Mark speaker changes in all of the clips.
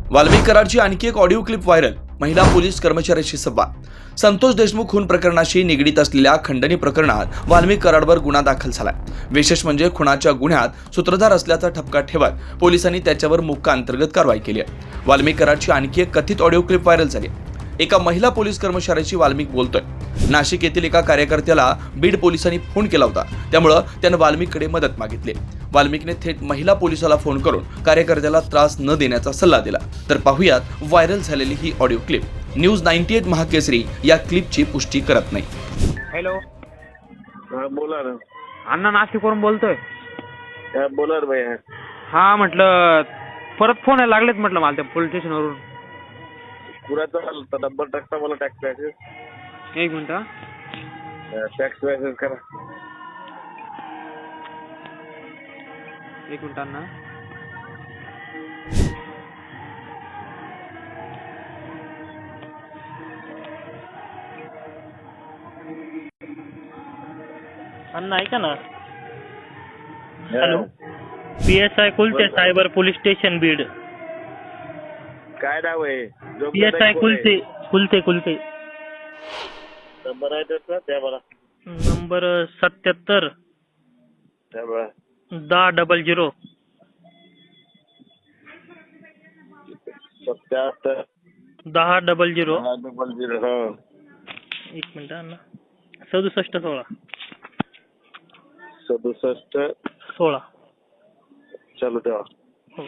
Speaker 1: वाल्मिक कराडची आणखी एक ऑडिओ क्लिप व्हायरल. महिला पोलीस कर्मचाऱ्याशी संवाद. संतोष देशमुख खून प्रकरणाशी निगडीत असलेल्या खंडणी प्रकरणात वाल्मिक कराडवर गुन्हा दाखल झालाय. विशेष म्हणजे खुनाच्या गुन्ह्यात सूत्रधार असल्याचा ठपका ठेवत पोलिसांनी त्याच्यावर मोक्का अंतर्गत कारवाई केली आहे. वाल्मिक कराडची आणखी एक कथित ऑडिओ क्लिप व्हायरल झाली. एका महिला पोलीस कर्मचाऱ्याशी वाल्मिक बोलतोय. नाशिक येथील एका कार्यकर्त्याला बीड पोलिसांनी फोन केला होता, त्यामुळे त्यानं वाल्मिककडे मदत मागितली. वाल्मिकने थेट महिला पोलिसाला फोन करून कार्यकर्त्याला त्रास न देण्याचा सल्ला दिला. तर पाहूयात व्हायरल झालेली ही ऑडिओ क्लिप. न्यूज 98 महाकेसरी या क्लिपची पुष्टी करत नाही.
Speaker 2: हॅलो,
Speaker 3: हा बोला ना.
Speaker 2: अण्णा नाशिकवरून बोलतोय.
Speaker 3: हा बोला रे भैया.
Speaker 2: हा म्हटलं परत फोन यायला लागलेत म्हटलं मला त्या पोलीस स्टेशनवरून.
Speaker 3: पुराचा नंबर टाकता मला टॅक्स मॅसेज.
Speaker 2: एक मिनिट हा.
Speaker 3: टॅक्स मॅसेज करा.
Speaker 2: एक मिनिट अण्णा.
Speaker 4: अण्णा ऐका ना. Hello, PSI Kulte cyber police station Beed.
Speaker 3: काय नाव आहे?
Speaker 4: PSI कुलते
Speaker 3: नंबर आहे त्याचा त्या मला.
Speaker 4: नंबर 77
Speaker 3: त्या मला
Speaker 4: 1000.
Speaker 3: 77
Speaker 4: 1000.
Speaker 3: 1000. हा.
Speaker 4: एक मिनिट अण्णा. 6716.
Speaker 3: 67
Speaker 4: 16.
Speaker 3: चालू ठेवा.
Speaker 4: हो.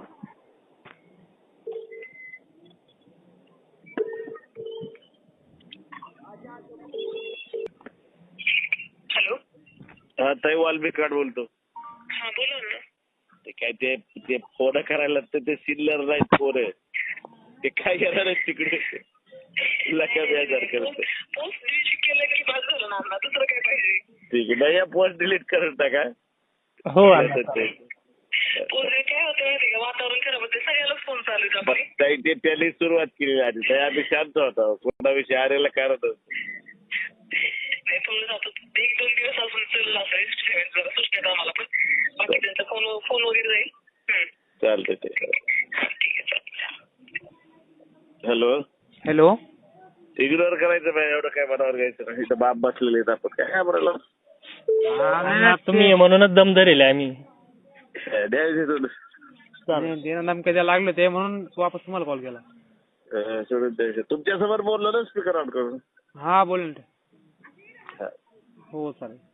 Speaker 5: हॅलो.
Speaker 3: हा ताई वाल्मिक कराड बोलतो.
Speaker 5: हा बोला ना.
Speaker 3: ते काय ते फोन करायला ते सिल्लर नाही फोन. ते काय करणार आहे तिकडे लका बेजार करत.
Speaker 5: पोस्ट डिलीट केलं की बस झालं ना अण्णा, दुसरं काय पाहिजे?
Speaker 3: ठीक आहे नाही पोस्ट डिलीट करत टाका.
Speaker 4: हो अण्णा.
Speaker 5: पोस्ट काय होतं माहिती का, वातावरण खराब होते, सगळ्यालाच फोन चालू आहेत आपले.
Speaker 3: ताई ते त्यांनी सुरुवात केली आधी. ताई आम्ही शांत होतो. कोणाविषयी आरेला करत
Speaker 5: नाही थोडं जातो 1-2 दिवस अजून चाललं असं जरा सुट्ट्यात आम्हाला, पण बाकी त्यांचा फोन वगैरे जाईल.
Speaker 3: चालतंय ते.
Speaker 5: हा ठीक आहे चालतं.
Speaker 3: हॅलो.
Speaker 2: हॅलो.
Speaker 3: इग्नोर करायचं नाही, एवढं काय मनावर घ्यायचं नाही. इथं बाप बसलेले आहेत, आपण काय बोलायला.
Speaker 4: अण्णा तुम्ही म्हणूनच दम धरेल आम्ही.
Speaker 3: द्यायचे
Speaker 2: देणं धमक्या द्यायला लागले ते म्हणून वापस तुम्हाला कॉल केला.
Speaker 3: सोडून द्यायचे. तुमच्यासमोर बोललो ना स्पीकर ऑन करून.
Speaker 2: हा बोल ना. हो चालेल.